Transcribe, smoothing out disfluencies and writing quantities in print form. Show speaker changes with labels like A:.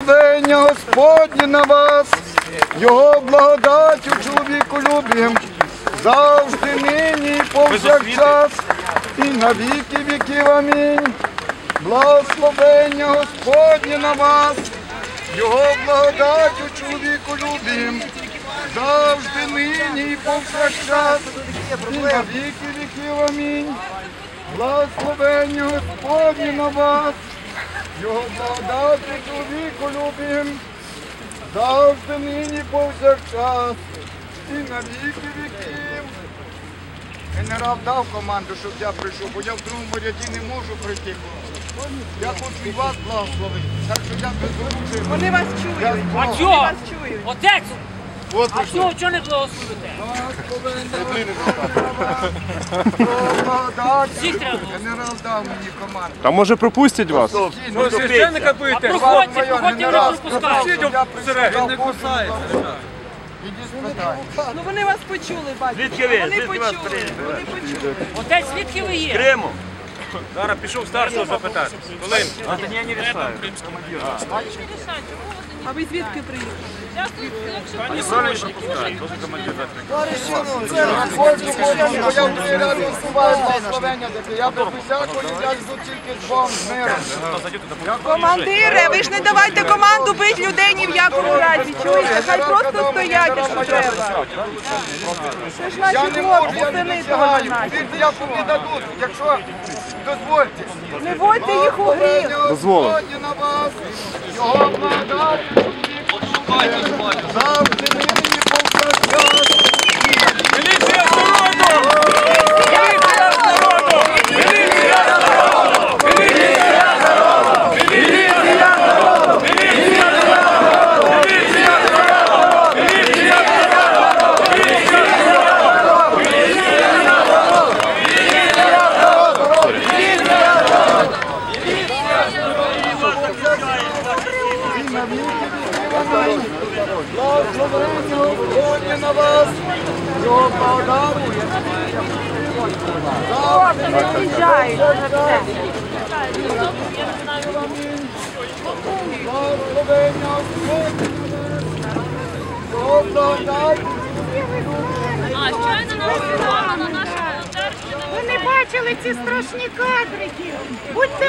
A: Благословення Господнє на вас, Його благодаттю чоловіколюбієм, завжди, нині і повсякчас, і на віки віків. Амінь. Благословення Господнє на вас, Його благодаттю чоловіколюбієм, завжди, нині і повсякчас, і на віки віків. Амінь. Благословення Господнє на вас, Його благодаттю чоловіколюбієм, завжди, нині, повсякчас, і на віки віків. Генерал дав команду, щоб я прийшов, бо я в другому ряді не можу прийти. Я хочу і вас благословити, так що я безручий.
B: Вони вас чують.
C: А чого? Отець! А чого не благословите?
A: Генерал дав мені команду.
D: А може пропустять вас?
E: Ну, священника будете?
C: Проходьте, проходьте, ви не пропускаєте.
E: Він не кусається.
B: Ну вони вас почули, батько.
F: Звідки ви?
B: Вони
F: Звідки вас
B: почули.
F: прийняли?
B: Вони почули.
C: Отець, звідки ви є?
F: Криму.
E: Зараз пішов старшого запитати. Коли?
F: Я не рішаю.
B: А ви звідки приїхали?
E: Пані Соня не пропускає, дуже командир
A: Я без усякої, я йду тільки з вам, з миром.
B: Командире, ви ж не давайте команду бити людей ні в якому разі. Чуєте? Хай просто стоять, якщо треба. Це ж
A: Я
B: наші
A: не можу,
B: хлопці,
A: я не
B: сини того
A: досягаю.
B: наші.
A: Вірте, я тобі дадуть, якщо дозвольте.
B: Не водьте їх у гріх.
D: Дозволив.
A: Господнє на вас, Його благодаттю, завжди, нині і повсякчас.
E: Міліція з народу! Міліція з народу! Міліція з народу! Міліція з народу! Міліція з народу! Міліція з народу! Міліція з народу! Міліція з народу! Міліція з народу! Міліція з народу!
A: Благословення Господнє на вас, Його благодаттю.
B: Хлопці, не з'їжджають на все.
A: Благословення Господнє на вас, Його благодаттю.
G: А щойно нас на нашому церкві.
H: Ви не бачили ці страшні кадрики? Будьте